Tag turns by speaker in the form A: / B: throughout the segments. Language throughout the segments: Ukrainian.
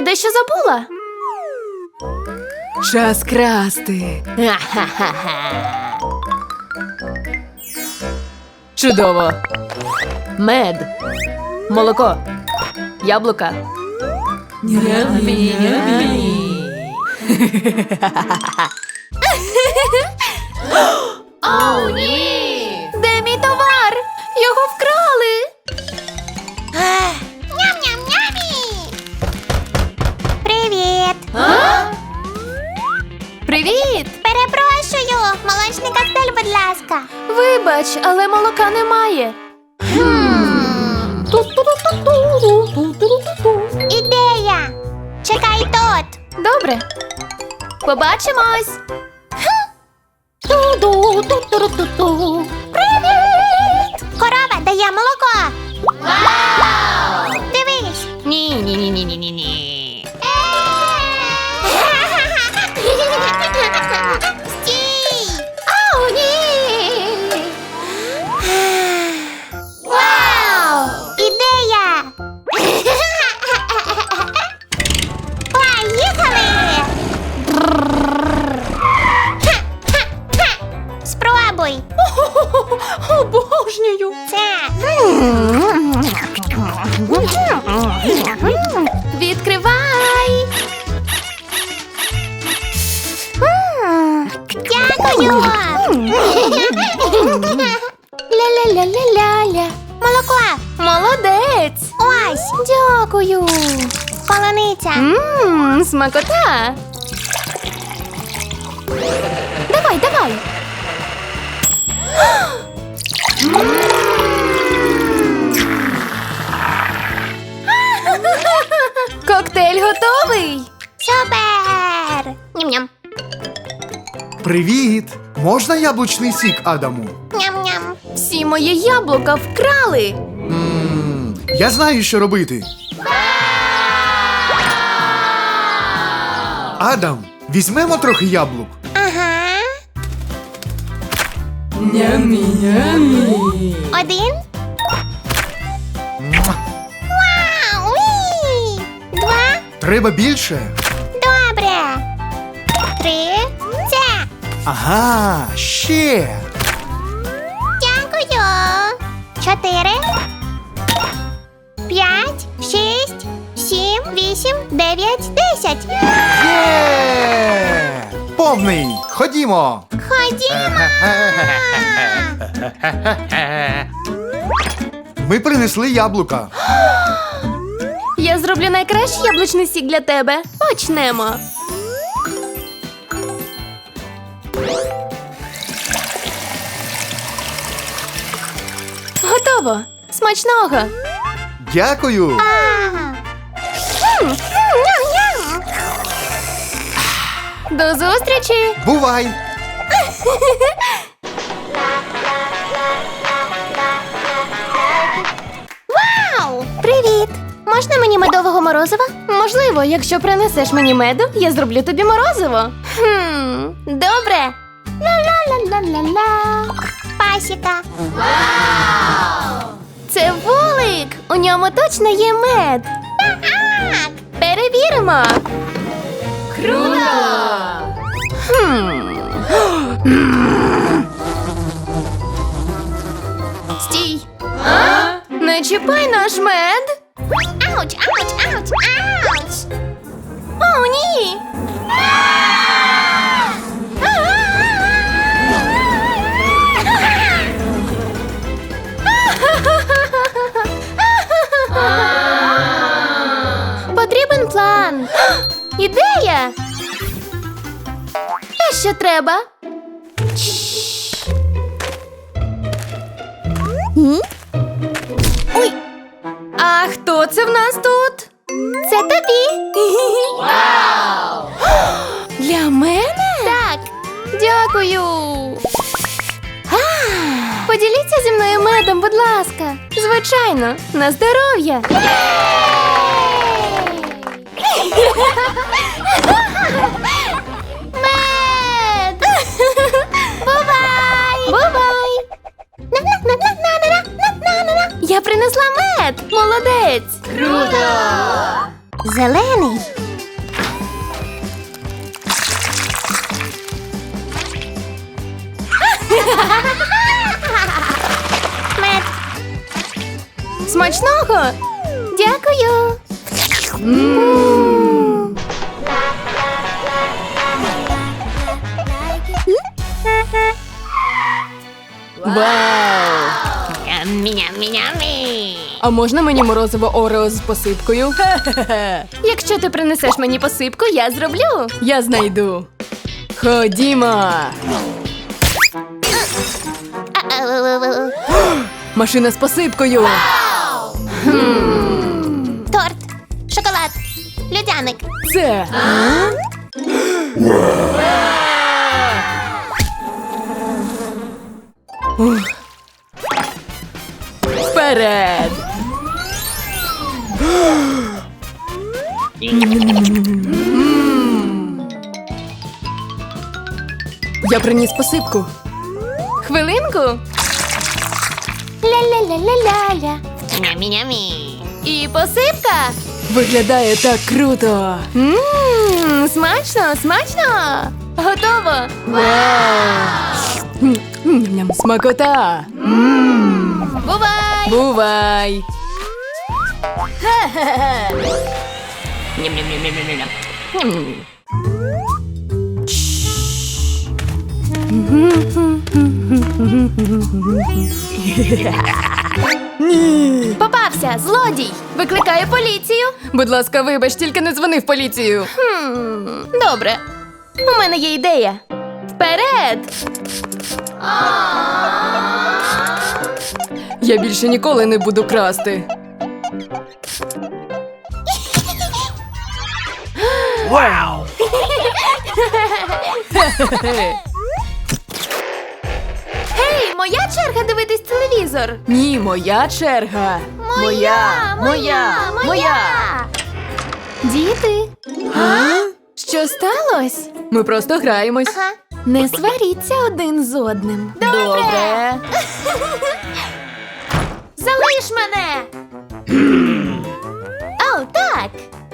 A: дещо забула.
B: Час красти. Чудово. Мед. Молоко. Яблука.
A: О, ні! Де мій товар? Його вкрали!
C: Ням-ням-нямі! Привіт!
A: Привіт!
C: Перепрошую! Молочний коктейль, будь ласка.
A: Вибач, але молока немає.
C: Ідея! Чекай тут!
A: Добре. Побачимось.
C: Привіт! Корова дає молоко! Вау! Дивись!
A: Ні.
C: Стій!
A: О, ні!
C: Вау! Ідея! Поїхали! Спробуй!
A: Обожнюю.
C: Це!
A: Відкривай.
C: Дякую!
A: Ля-ля-ля-ля-ля-ля.
C: Молоко!
A: Молодець.
C: Ось!
A: Дякую.
C: Полуниця!
A: Смакота. Давай. Коктейль готовий.
C: Супер! Ням-ням!
D: Привіт! Можна яблучний сік, Адаму?
C: Ням-ням!
A: Всі мої яблука вкрали.
D: Я знаю, що робити. Адам, візьмемо трохи яблук.
C: Ага! Один. Вау! Уі! Два.
D: Треба більше.
C: Добре. Три. Це.
D: Ага, ще.
C: Дякую. Чотири. 5, 6, 7, 8, 9, 10.
D: Є! Повний! Ходімо!
C: Ходімо.
D: Ми принесли яблука.
A: Я зроблю найкращий яблучний сік для тебе. Почнемо. Готово. Смачного.
D: Дякую!
C: Ага. Ням-ням.
A: До зустрічі.
D: Бувай!
C: Вау! Привіт! Можна мені медового морозива?
A: Можливо, якщо принесеш мені меду, я зроблю тобі морозиво. Добре.
C: Ла-ла-ла-ла-ла-ла. Пасіка.
A: Це вулик. У ньому точно є мед.
C: Так.
A: Перевіримо.
B: Круто!
A: Стій. Не чіпай наш мед.
C: Ауч, ауч, ауч, ауч.
A: О, ні. Потрібен план. Ідея. Те, що треба. Ой. А хто це в нас тут? Це тобі. Вау! Для мене? Так. Дякую. Поділіться зі мною медом, будь ласка. Звичайно, на здоров'я. Мед! Бувай! Бувай! Я принесла мед! Молодець!
C: Зелений.
A: Смачного! Дякую!
B: Вау! А можна мені морозиво Орео з посипкою? Хе-хе-хе.
A: Якщо ти принесеш мені посипку, я зроблю.
B: Я знайду. Ходімо. Машина з посипкою.
C: Торт, шоколад, льодяник.
B: Це. Ух. Вперед! Я приніс посипку.
A: Хвилинку. Ля-ля-ля-ля-ля-ля.
C: Нямі-нямі.
A: І посипка.
B: Виглядає так круто.
A: Смачно, смачно. Готово.
B: Ням-ням, смакота.
A: Бувай.
B: Бувай.
A: Попався, злодій. Викликаю поліцію.
B: Будь ласка, вибач, тільки не дзвони в поліцію.
A: Добре. У мене є ідея. Вперед!
B: Я більше ніколи не буду красти.
A: Гей, моя черга дивитись телевізор.
B: Ні, моя черга.
A: Моя. Діти. Що сталося?
B: Ми просто граємось.
C: Ага.
A: Не сваріться один з одним.
B: Добре.
A: Залиш мене! О, так!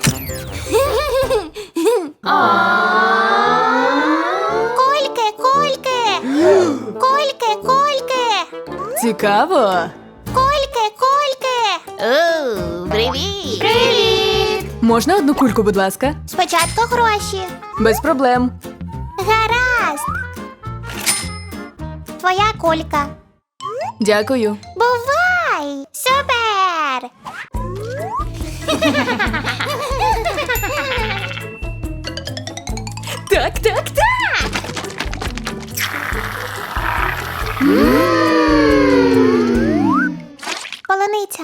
C: Кольки, кольки. Кольки, кольки.
B: Цікаво.
C: Кольки, кольки. О, привіт.
A: Привіт!
B: Можна одну кульку, будь ласка?
C: Спочатку гроші.
B: Без проблем.
C: Гаразд. Твоя колька.
B: Дякую.
C: Бувай! Супер!
A: Так, так, так!
C: Полуниця.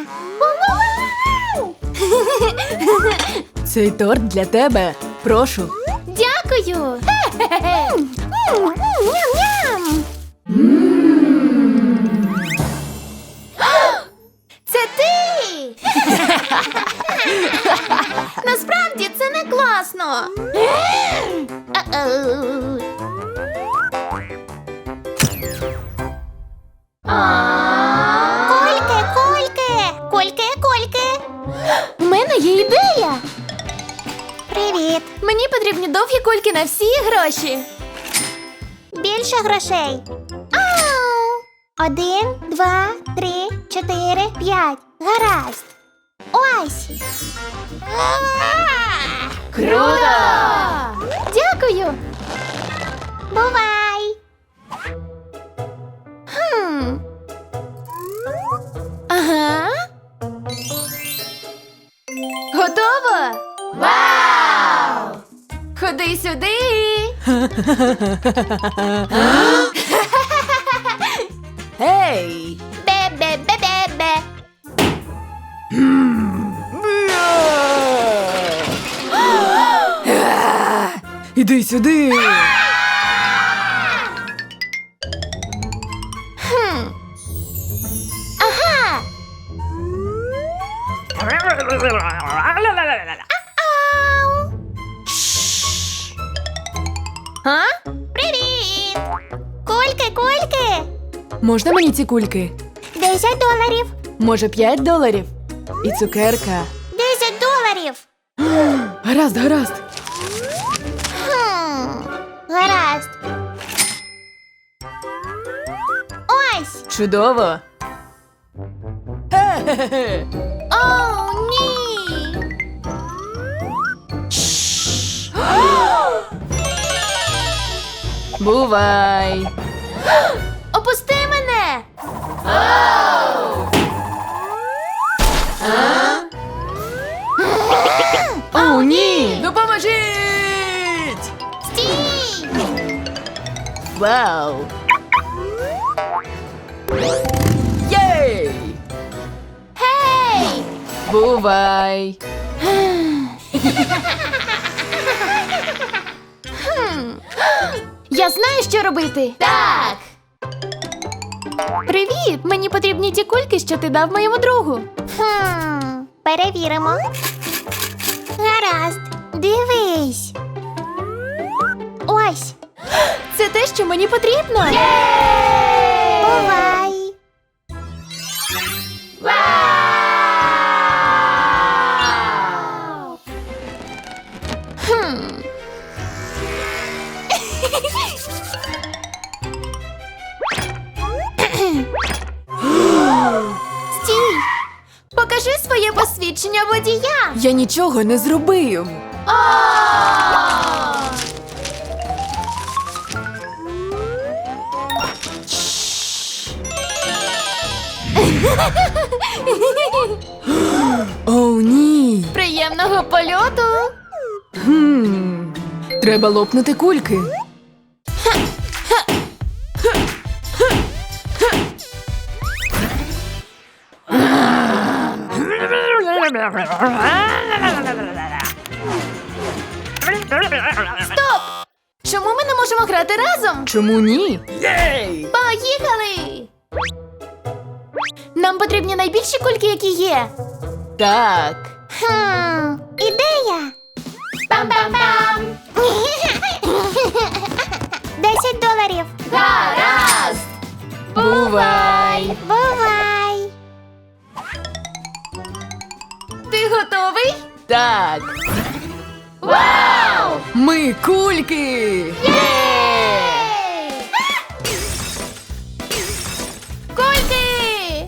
B: Цей торт для тебе. Прошу.
A: Дякую!
C: Ням-ням!
A: Це ти! Насправді це не класно!
C: Е-оу. Кольки, кольки! Кольки, кольки!
A: У мене є ідея!
C: Привіт!
A: Мені потрібні довгі кульки на всі гроші.
C: Більше грошей. Ау! 1, 2, 3, 4, 5. Гаразд. Ось.
A: Круто! Дякую!
C: Бувай.
A: Ага. Готово? Вау! Ходи сюди!
B: Ей!
C: Бе-бе-бе-бе-бе.
B: Іди сюди.
C: Ага. Ау.
A: А?
C: Привіт. Кольки, кольки.
B: Можна мені ці кульки?
C: $10.
B: Може, $5? І цукерка.
C: $10.
B: Гаразд, гаразд.
C: Гаразд. Ось.
B: Чудово.
A: О, ні!
B: Бувай.
A: Опусти мене!
B: О, ні! Допоможіть!
C: Стій!
B: Вау! Єй!
A: Гей!
B: Бувай!
A: Я знаю, що робити. Так. Привіт! Мені потрібні ті кульки, що ти дав моєму другу.
C: Перевіримо. Гаразд, дивись. Ось,
A: Це те, що мені потрібно.
C: бувай.
A: Стій! Покажи своє посвідчення водія.
B: Я нічого не зробив. О, ні.
A: Приємного польоту.
B: Треба лопнути кульки.
A: Стоп! Чому ми не можемо грати разом?
B: Чому ні?
A: Поїхали! Нам потрібні найбільші кульки, які є.
B: Так.
C: Ідея.
A: Пам-пам-пам!
C: $10.
A: Гаразд!
B: Бувай.
C: Бувай.
A: Ти готовий?
B: Так.
A: Вау!
B: Ми кульки.
A: Кульки!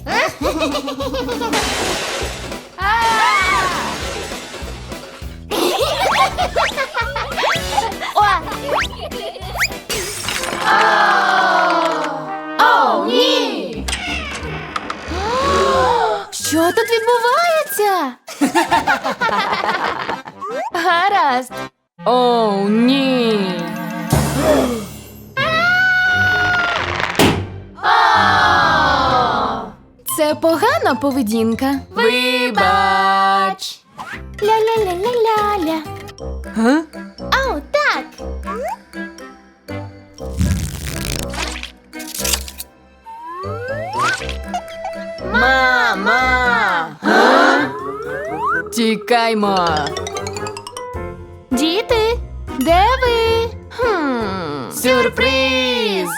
A: О, ні! Що тут відбувається? Гаразд.
B: О, ні.
A: Це погана поведінка.
B: Вибач.
A: Ля-ля-ля-ля-ля-ля.
B: Га?
A: Ау, так.
B: Мама. Тікаймо.
A: Діти, де ви?
B: Сюрприз.